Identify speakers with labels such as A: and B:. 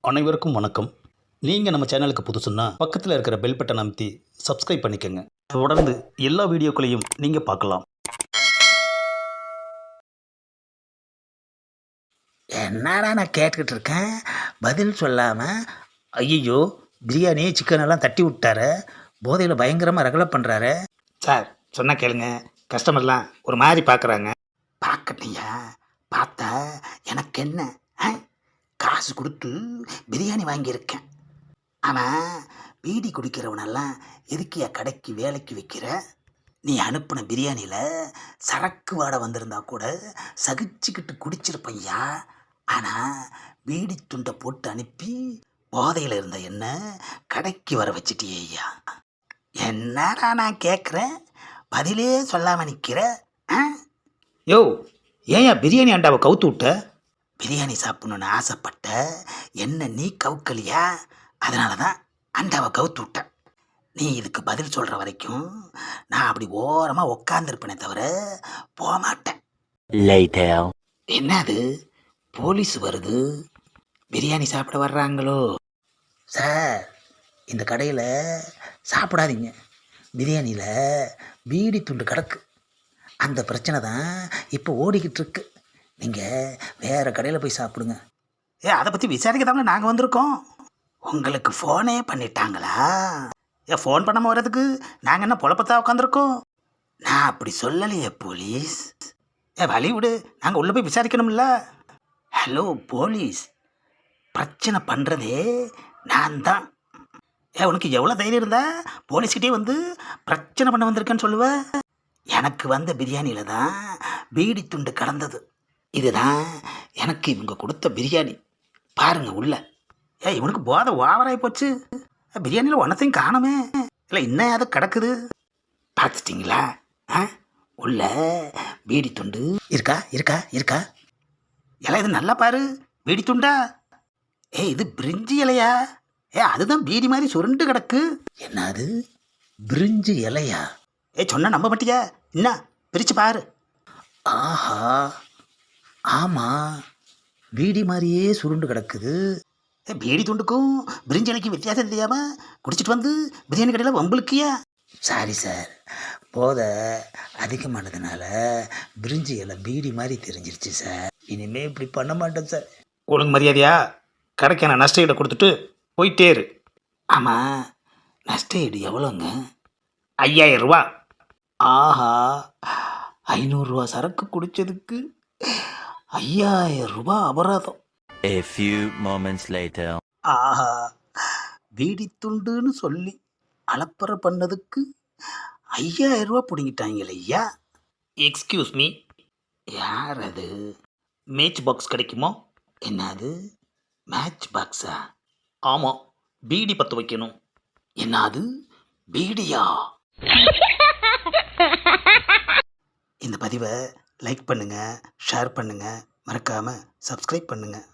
A: அனைவருக்கும் வணக்கம். நீங்கள் நம்ம சேனலுக்கு புதுசுன்னா பக்கத்தில் இருக்கிற பெல் பட்டன் அமைத்தி சப்ஸ்கிரைப் பண்ணிக்கோங்க. தொடர்ந்து எல்லா வீடியோக்களையும் நீங்கள் பார்க்கலாம்.
B: என்னடா நான் கேட்டுக்கிட்டு இருக்கேன், பதில் சொல்லாமல் ஐயோ பிரியாணி சிக்கன் எல்லாம் தட்டி விட்டாரு, போதையில் பயங்கரமாக ரகலை பண்ணுறாரு. சார் சொன்னால் கேளுங்க, கஸ்டமர்லாம் ஒரு மாதிரி பார்க்குறாங்க. பார்க்கட்டியா, பார்த்தா எனக்கு என்ன, காசு கொடுத்து பிரியாணி வாங்கியிருக்கேன். ஆனால் பீடி குடிக்கிறவனெல்லாம் எதுக்கியா கடைக்கு வேலைக்கு வைக்கிற? நீ அனுப்பின பிரியாணியில் சரக்கு வாடை வந்திருந்தா கூட சகிச்சுக்கிட்டு குடிச்சிருப்பையா. ஆனால் பீடி துண்டை போட்டு அனுப்பி போதையில் இருந்த என்ன கடைக்கு வர வச்சிட்டியா. என்னடா நான் கேட்குறேன், பதிலே சொல்லாமல் நிற்கிற? யோ, ஏன் பிரியாணி அண்டாவை கவுத்து விட்ட? பிரியாணி சாப்பிடணுன்னு ஆசைப்பட்ட என்ன நீ கவுக்கலையா, அதனால தான் அண்டாவை கவுத்து விட்டேன். நீ இதுக்கு பதில் சொல்கிற வரைக்கும் நான் அப்படி ஓரமாக உக்காந்துருப்பேனே தவிர போக மாட்டேன். என்னது போலீஸ் வருது, பிரியாணி சாப்பிட வர்றாங்களோ? சார், இந்த கடையில் சாப்பிடாதீங்க, பிரியாணியில் பீடி துண்டு கிடக்கு. அந்த பிரச்சனை தான் இப்போ ஓடிக்கிட்டு இருக்கு. நீங்கள் வேறு கடையில் போய் சாப்பிடுங்க. அதை பற்றி விசாரிக்க தாங்க நாங்கள் வந்திருக்கோம். உங்களுக்கு ஃபோனே பண்ணிட்டாங்களா? ஃபோன் பண்ணாமல் வர்றதுக்கு நாங்கள் என்ன பொழப்பத்தான் உட்காந்துருக்கோம்? நான் அப்படி சொல்லலையே போலீஸ். வழி விடு, நாங்கள் உள்ளே போய் விசாரிக்கணும்ல. ஹலோ போலீஸ், பிரச்சனை பண்ணுறதே நான் தான். உனக்கு எவ்வளோ தைரியம் இருந்தா போலீஸ்கிட்டே வந்து பிரச்சனை பண்ண வந்திருக்கேன்னு சொல்லுவேன்? எனக்கு வந்த பிரியாணியில் தான் பீடி துண்டு கலந்தது. இதுதான் எனக்கு இவங்க கொடுத்த பிரியாணி. பாருங்க உள்ள. இவனுக்கு போதை ஓவராகி போச்சு. பிரியாணியில் ஒன்றத்தையும் காணுமே, இல்லை இன்னும் அது கிடக்குது. பார்த்துட்டிங்களா? உள்ள பீடி துண்டு இருக்கா இருக்கா இருக்கா? இலை இது நல்லா பாரு, பீடி துண்டா? இது பிரிஞ்சி இலையா? அதுதான் பீடி மாதிரி சுருண்டு கிடக்கு. என்னது பிரிஞ்சி இலையா? சொன்ன நம்ப மாட்டியா? என்ன பிரித்து பாரு. ஆஹா, ஆமாம், பீடி மாதிரியே சுருண்டு கிடக்குது. பீடி துண்டுக்கும் பிரிஞ்சி இலைக்கும் வித்தியாசம் தெரியாமல் குடிச்சிட்டு வந்து பிரியாணி கடையில் வம்புலுக்கியா? சாரி சார், போதை அதிகமானதுனால பிரிஞ்சி இலை பீடி மாதிரி தெரிஞ்சிருச்சு சார். இனிமேல் இப்படி பண்ண மாட்டேன் சார். ஒழுங்கு மரியாதையா கடைக்கான நஷ்ட ஈடை கொடுத்துட்டு போயிட்டே இரு. ஆமாம், நஷ்ட ஈடு எவ்வளோங்க? 5000 ரூபா. ஆஹா, 500 ரூபா சரக்கு குடித்ததுக்கு 5000 ரூபா அபராதம்.
C: A few moments later.
B: ஆஹா, பீடி துண்டுன்னு சொல்லி அலப்பறை பண்ணதுக்கு 5000 ரூபா பிடிங்கிட்டாங்களே ஐயா.
A: எக்ஸ்கியூஸ் மீ,
B: யார் அது?
A: மேட்ச் பாக்ஸ் கிடைக்குமா?
B: என்னது மேட்ச் பாக்ஸா?
A: ஆமாம், பீடி பற்ற வைக்கணும்.
B: என்னது பீடியா? இந்த பதிவை லைக் பண்ணுங்கள், ஷேர் பண்ணுங்கள், மறக்காமல் சப்ஸ்கிரைப் பண்ணுங்கள்.